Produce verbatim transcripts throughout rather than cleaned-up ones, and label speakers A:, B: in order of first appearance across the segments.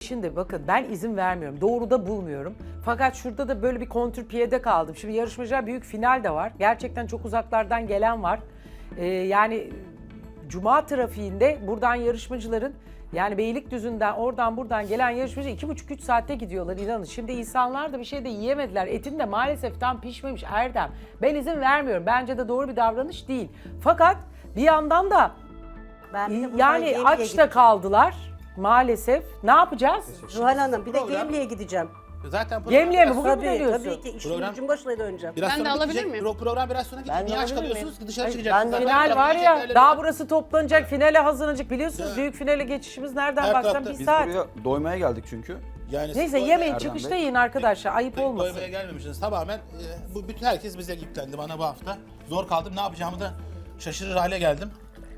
A: şimdi bakın ben izin vermiyorum. Doğru da bulmuyorum. Fakat şurada da böyle bir kontrpiyede kaldım. Şimdi yarışmacılar büyük final de var. Gerçekten çok uzaklardan gelen var. Ee, yani Cuma trafiğinde buradan yarışmacıların yani Beylikdüzü'nden oradan buradan gelen yarışmacı iki buçuk üç saatte gidiyorlar inanın. Şimdi insanlar da bir şey de yiyemediler. Etin de maalesef tam pişmemiş Erdem. Ben izin vermiyorum. Bence de doğru bir davranış değil. Fakat bir yandan da
B: Ben bir de buradan
A: yani
B: Gemliğe
A: aç da
B: gideceğim.
A: kaldılar maalesef. Ne yapacağız?
B: Zuhal Hanım bir de
C: Program-
B: Gemliğe gideceğim.
C: Zaten program
A: Gemliğe mi?
C: biraz-
A: Bugün mü
B: Tabii
A: dönüyorsun?
B: tabii ki işin
C: Program-
B: gücün başına döneceğim.
C: Biraz
D: Ben de
C: sonra
D: alabilir
C: bitecek.
D: miyim?
C: Pro- Program biraz sonra
E: Ben
C: gidecek.
E: de
C: Niye aç
E: alabilir
C: kalıyorsunuz
E: miyim?
C: ki dışarı
E: Hayır,
C: çıkacaksınız?
E: ben de-
C: Zaten
A: Final var
C: taraftar
A: ya,
C: şekerleri
A: daha
C: var.
A: burası toplanacak, finale hazırlanacak. Biliyorsunuz
C: Ya.
A: büyük finale geçişimiz nereden
C: Her
A: baksan
C: tarafta
A: bir
C: biz
A: saat.
F: Buraya doymaya geldik çünkü.
C: Yani
A: Neyse
C: siz
A: yemeyin,
C: doymaya-
A: çıkışta
F: Bey.
A: yiyin arkadaşlar, ayıp
C: Doy-
A: olmasın.
C: Doymaya gelmemişsiniz. Tamamen e, bu bütün herkes bize yüklendi bana bu hafta. Zor kaldım. Ne yapacağımı da şaşırır hale geldim.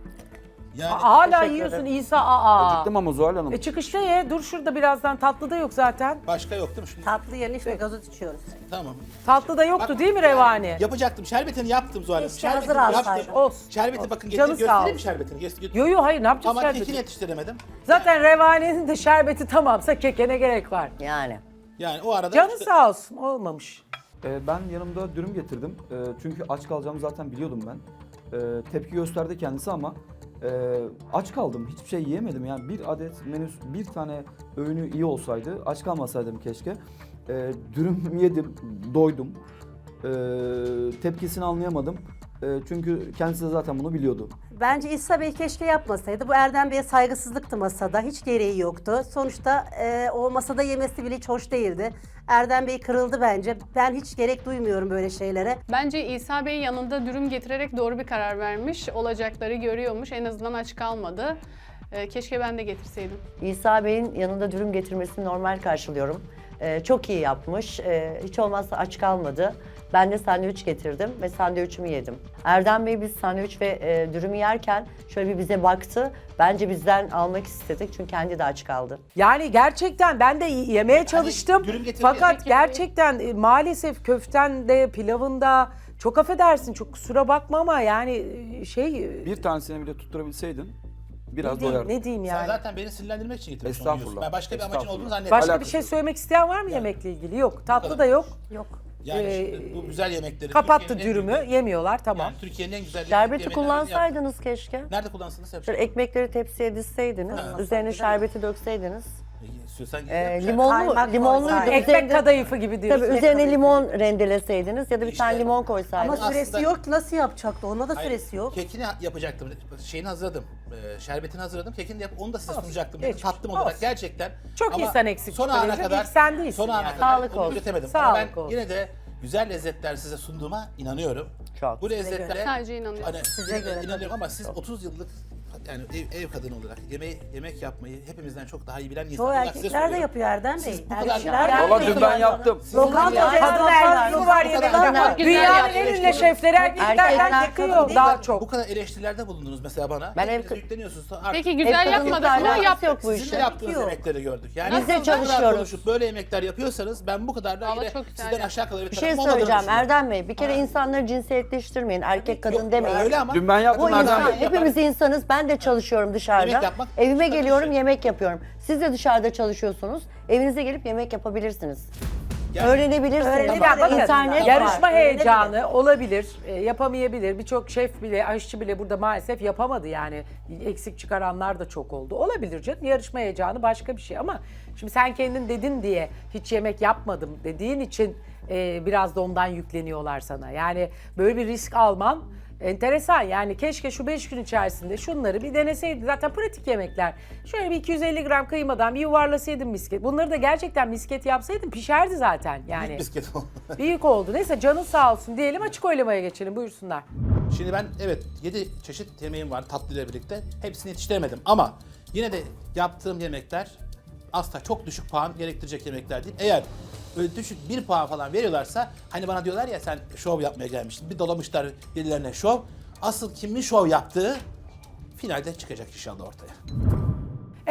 C: Yani
A: Aa, hala
B: Teşekkür
A: yiyorsun
B: ederim.
A: İsa, aa.
F: Acıktım ama Zuhal Hanım.
A: E çıkışta ye, dur şurada birazdan, tatlı da yok zaten.
C: başka yok değil mi? Şimdi,
B: Tatlı yerine işte gazoz içiyoruz.
C: tamam.
A: Tatlı da yoktu
C: Bak-
A: değil mi Revani?
C: Yapacaktım. Şerbetini yaptım Zuhal Hanım.
B: Keşke
C: Şerbetini
B: hazır
C: yaptım.
B: alsaydın.
A: Olsun.
C: Şerbeti bakın
A: Canı
C: getir,
A: sağ
C: göstereyim mi
A: olsun.
C: şerbetini? Göster- göster-
A: Yo yo hayır, ne yapacağız
C: Ama
A: şerbeti?
C: kekini yetiştiremedim.
A: Zaten Revani'nin de şerbeti tamamsa keke ne gerek var?
E: Yani.
C: Yani o arada
A: Canı
C: işte-
A: sağ olsun, olmamış.
F: Ee, ben yanımda dürüm getirdim. Ee, çünkü aç kalacağımı zaten biliyordum ben. Ee, tepki gösterdi kendisi ama e, aç kaldım. Hiçbir şey yiyemedim. Yani bir adet menü, bir tane öğünü iyi olsaydı aç kalmasaydım keşke. Ee, dürüm yedim, doydum. Ee, tepkisini anlayamadım. Ee, çünkü kendisi de zaten bunu biliyordu.
B: Bence İsa Bey keşke yapmasaydı. Bu Erdem Bey'e saygısızlıktı masada. Hiç gereği yoktu. Sonuçta e, o masada yemesi bile hiç hoş değildi. Erdem Bey kırıldı bence. Ben hiç gerek duymuyorum böyle şeylere.
D: Bence İsa Bey yanında dürüm getirerek doğru bir karar vermiş. Olacakları görüyormuş. En azından aç kalmadı. Ee, keşke ben de getirseydim.
E: İsa Bey'in yanında dürüm getirmesini normal karşılıyorum. Ee, çok iyi yapmış. Ee, hiç olmazsa aç kalmadı. Ben de sandviç getirdim ve sandviçimi yedim. Erdem Bey biz sandviç ve e, dürümü yerken şöyle bir bize baktı. Bence bizden almak istedik çünkü kendi de aç kaldı.
A: Yani gerçekten ben de yemeye çalıştım.
C: dürüm getirdi
A: Fakat
D: ya.
A: gerçekten e, maalesef köftende, pilavında çok affedersin, çok kusura bakma ama yani e, şey e,
F: Bir tanesini bile tutturabilseydin biraz
A: ne diyeyim,
F: doyardın.
A: ne diyeyim
C: Sen
A: yani.
C: zaten beni sinirlendirmek için getirmişsin.
F: Estağfurullah.
C: onu yiyorsun. Ben başka bir amacın
F: Estağfurullah.
C: olduğunu zannetmiyorum.
A: Başka bir
F: alakası
A: şey
F: yok.
A: söylemek isteyen var mı yemekle ilgili? Yok. Tatlı
C: kadar.
A: da yok.
B: Yok.
C: Yani
A: Ee,
C: şimdi bu güzel yemekleri.
A: Kapattı
C: Türkiye'nin en
A: dürümü,
C: güzel-
A: yemiyorlar tamam.
C: Yani Türkiye'nin en güzel
E: Şerbeti
C: yemeklerini yaptım.
E: kullansaydınız keşke.
C: Nerede kullansınız? Hep
E: Şöyle ekmekleri tepsiye dizseydiniz, üzerine şerbeti dökseydiniz.
C: İstiyorsan
E: Ee,
C: git.
E: limonlu,
B: Kaymak
E: limonluydu.
B: koysaydın.
A: Ekmek
E: Üzerine-
A: kadayıfı gibi diyorsun.
E: Tabii üzerine limon rendeleseydiniz ya da bir
C: İşte-
E: tane limon
B: Ama
E: koysaydınız.
C: Aslında-
B: süresi yok ki nasıl yapacaktı? Ona da
C: Hayır,
B: süresi yok.
C: Kekini yapacaktım. Şeyini hazırladım. Ee, şerbetini hazırladım. Kekini de yap, onu da size
A: Olsun,
C: sunacaktım.
A: geçmiş.
C: Tattım olarak
A: Olsun.
C: gerçekten.
A: Çok
C: Ama
A: insan eksik
C: son
A: çıkaracak,
C: ana kadar.
A: ilk sen değilsin
C: Son ana
A: yani.
C: kadar
E: Sağlık
C: onu
E: olsun.
C: üretemedim. Ama
A: Sağlık
C: ben
A: olsun.
C: yine de güzel lezzetler size sunduğuma inanıyorum.
E: Çok.
C: Bu lezzetlere
D: Sadece inanıyorum.
C: hani
B: Size göre
C: inanıyorum
B: tabii.
C: ama siz otuz yıllık yani ev, ev kadını olarak yemeği, yemek yapmayı hepimizden çok daha iyi bilen
B: Çoğu
C: insanlar size
B: erkekler de
C: soruyorum.
B: yapıyor Erdem Bey.
C: Siz bu kadar-
B: Erkekler de
F: Valla
B: yapıyor.
F: dün ben yaptım.
B: Lokanta
E: Yani
B: kadın
A: erkek var
C: Bu
A: yemekte.
C: kadar-
A: Dünyanın
D: Güzel
A: en ünlü
C: yapmış.
A: şefleri erkeklerden
E: Erkekler
A: çıkıyor
E: kadın
A: daha
C: Bu
A: çok.
C: kadar eleştirilerde bulundunuz mesela bana.
E: Ben
C: Hepiniz
E: ev-
C: yükleniyorsunuz. Artık
D: Peki
E: Ev
D: güzel
E: kadınlıkla
D: yapmadık ama
E: alakası
D: yaptık.
E: yok bu
C: sizin de
E: işin.
C: yaptığınız
B: Yok.
C: yemekleri gördük. Yani
E: Biz de
C: bu kadar
E: çalışıyoruz.
C: konuşup böyle yemekler yapıyorsanız ben bu kadar da
D: Vallahi
C: yine
D: çok güzel
C: sizden
D: yaptın.
C: aşağı kalır
E: Bir şey söyleyeceğim Erdem Bey. Bir kere insanları cinsiyetleştirmeyin. Erkek kadın demeyin.
C: Öyle ama.
F: Dün ben yaptım
E: Bu
F: Erdem
E: insan,
F: Bey.
E: hepimiz insanız. Ben de çalışıyorum dışarıda.
C: Yemek yapmak
E: Evime
C: başka bir
E: geliyorum,
C: şey.
E: yemek yapıyorum. Siz de dışarıda çalışıyorsunuz. Evinize gelip yemek yapabilirsiniz.
C: Yani-
E: Öğrenebilirsiniz.
B: Öğrenebilir.
A: Ya bakın,
E: İnternet
A: yarışma
E: var.
A: heyecanı olabilir, e, yapamayabilir. Birçok şef bile, aşçı bile burada maalesef yapamadı yani. Eksik çıkaranlar da çok oldu. Olabilir canım, yarışma heyecanı başka bir şey ama şimdi sen kendin dedin diye hiç yemek yapmadım dediğin için e, biraz da ondan yükleniyorlar sana. Yani böyle bir risk alman enteresan. Yani keşke şu beş gün içerisinde şunları bir deneseydin. Zaten pratik yemekler. Şöyle bir iki yüz elli gram kıymadan bir yuvarlasaydın misket. Bunları da gerçekten misket yapsaydın pişerdi zaten. Yani
C: Bisket oldu.
A: büyük oldu. Neyse canın sağ olsun diyelim, açık oylamaya geçelim. Buyursunlar.
C: Şimdi ben evet yedi çeşit yemeğim var tatlıyla birlikte. Hepsini yetiştiremedim ama yine de yaptığım yemekler asla çok düşük puan gerektirecek yemekler değil. Eğer böyle düşük bir puan falan veriyorlarsa hani bana diyorlar ya sen şov yapmaya gelmiştin. Bir dolamışlar birilerine şov. Asıl kimin şov yaptığı finalde çıkacak inşallah ortaya.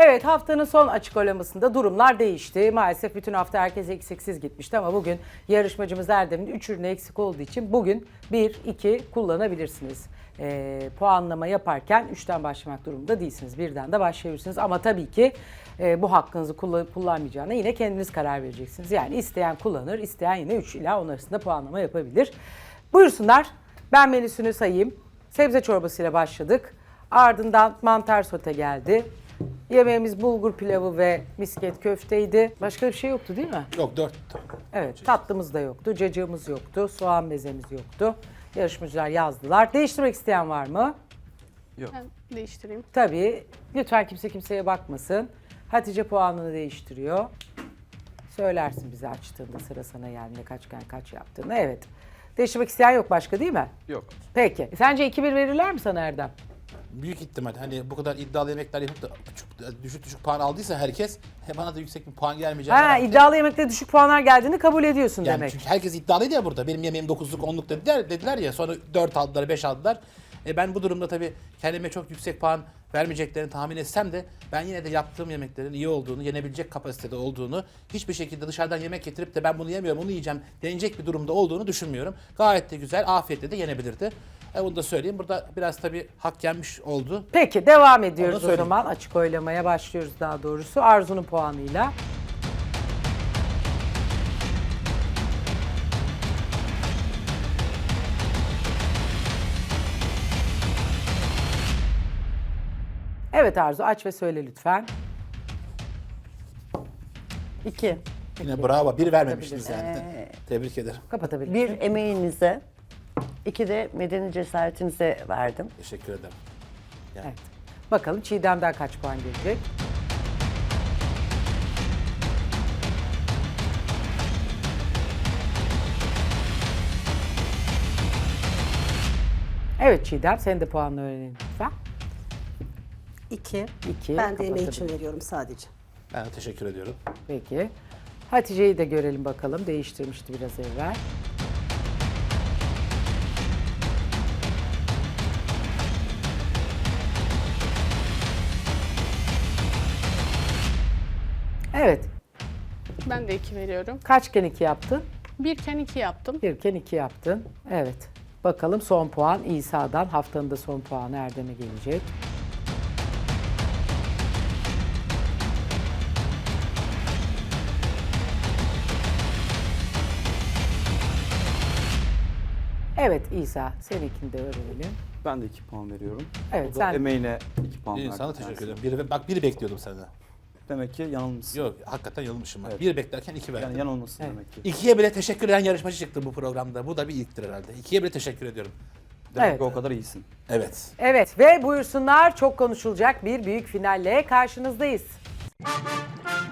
A: Evet, haftanın son açık oylamasında durumlar değişti. Maalesef bütün hafta herkes eksiksiz gitmişti ama bugün yarışmacımız Erdem'in üç ürünü eksik olduğu için bugün bir iki kullanabilirsiniz. Ee, puanlama yaparken üçten başlamak durumunda değilsiniz. Birden de başlayabilirsiniz ama tabii ki e, bu hakkınızı kullanıp kullanmayacağına yine kendiniz karar vereceksiniz. Yani isteyen kullanır, isteyen yine üç ila on arasında puanlama yapabilir. Buyursunlar, ben menüsünü sayayım. Sebze çorbasıyla başladık. Ardından mantar sote geldi. Yemeğimiz bulgur pilavı ve misket köfteydi. Başka bir şey yoktu değil mi?
C: Yok dört.
A: Evet, tatlımız da yoktu, cacığımız yoktu, soğan mezemiz yoktu. Yarışmacılar yazdılar. Değiştirmek isteyen var mı?
D: Ben değiştireyim.
A: Tabii. Lütfen kimse kimseye bakmasın. Hatice puanını değiştiriyor. Söylersin bize açtığında, sıra sana geldiğinde kaçken kaç yaptığını. Evet. Değiştirmek isteyen yok başka değil mi?
F: Yok.
A: Peki. Sence iki bir verirler mi sana Erdem?
C: Büyük ihtimal hani bu kadar iddialı yemekler yapıp da küçük, düşük düşük puan aldıysa herkes he, bana da yüksek bir puan gelmeyeceğini
A: Ha,
C: herhalde-
A: iddialı yemekte düşük puanlar geldiğini kabul ediyorsun
C: Yani
A: demek.
C: çünkü herkes iddialıydı ya burada. Benim yemeğim dokuzluk, onluk dediler, dediler ya. Sonra dört aldılar, beş aldılar. E ben bu durumda tabii kendime çok yüksek puan vermeyeceklerini tahmin etsem de ben yine de yaptığım yemeklerin iyi olduğunu, yenebilecek kapasitede olduğunu, hiçbir şekilde dışarıdan yemek getirip de ben bunu yemiyorum, onu yiyeceğim denecek bir durumda olduğunu düşünmüyorum. Gayet de güzel, afiyetle de yenebilirdi. E bunu da söyleyeyim. Burada biraz tabii hak yenmiş oldu.
A: Peki devam
C: Onu
A: ediyoruz o
C: söyleyeyim.
A: zaman. Açık oylamaya başlıyoruz daha doğrusu. Arzu'nun puanıyla. Evet Arzu, aç ve söyle lütfen.
E: İki.
C: Yine bravo. Bir vermemiştiniz yani. Tebrik ederim.
A: Kapatabilirsin.
E: Bir emeğinize, iki de medeni cesaretinize verdim.
C: Teşekkür ederim. Yani
A: Evet. Bakalım Çiğdem'den kaç puan gelecek? Evet Çiğdem, senin de puanını öğrenelim lütfen.
B: İki.
A: İki.
B: Ben de emeği için
A: kapatabilirim.
B: veriyorum sadece.
C: ben de teşekkür ediyorum.
A: Peki. Hatice'yi de görelim bakalım. Değiştirmişti biraz evvel. Evet.
D: Ben de iki veriyorum.
A: Kaçken iki yaptın?
D: Birken iki yaptım.
A: Birken iki yaptın. Evet. Bakalım son puan İsa'dan. Haftanın da son puanı Erdem'e gelecek. Evet İsa, seninkini de öğrenelim.
F: Ben de iki puan veriyorum.
A: Evet,
F: O da
A: sen-
F: emeğine iki puan
C: İyi,
F: verdim.
C: sana teşekkür
F: kendisine.
C: ederim. Bir, bak biri bekliyordum senden.
F: Demek ki yanılmışsın.
C: Yok hakikaten yanılmışım ben.
F: Evet.
C: Bir beklerken iki verdim.
F: Yani yanılmışsın
A: Evet.
F: demek ki.
C: İkiye bile teşekkür eden yarışmacı çıktı bu programda. Bu da bir ilktir herhalde. İkiye bile teşekkür ediyorum.
F: Demek
A: Evet.
F: ki o kadar iyisin.
C: Evet.
A: Evet ve buyursunlar çok konuşulacak bir büyük finalle karşınızdayız.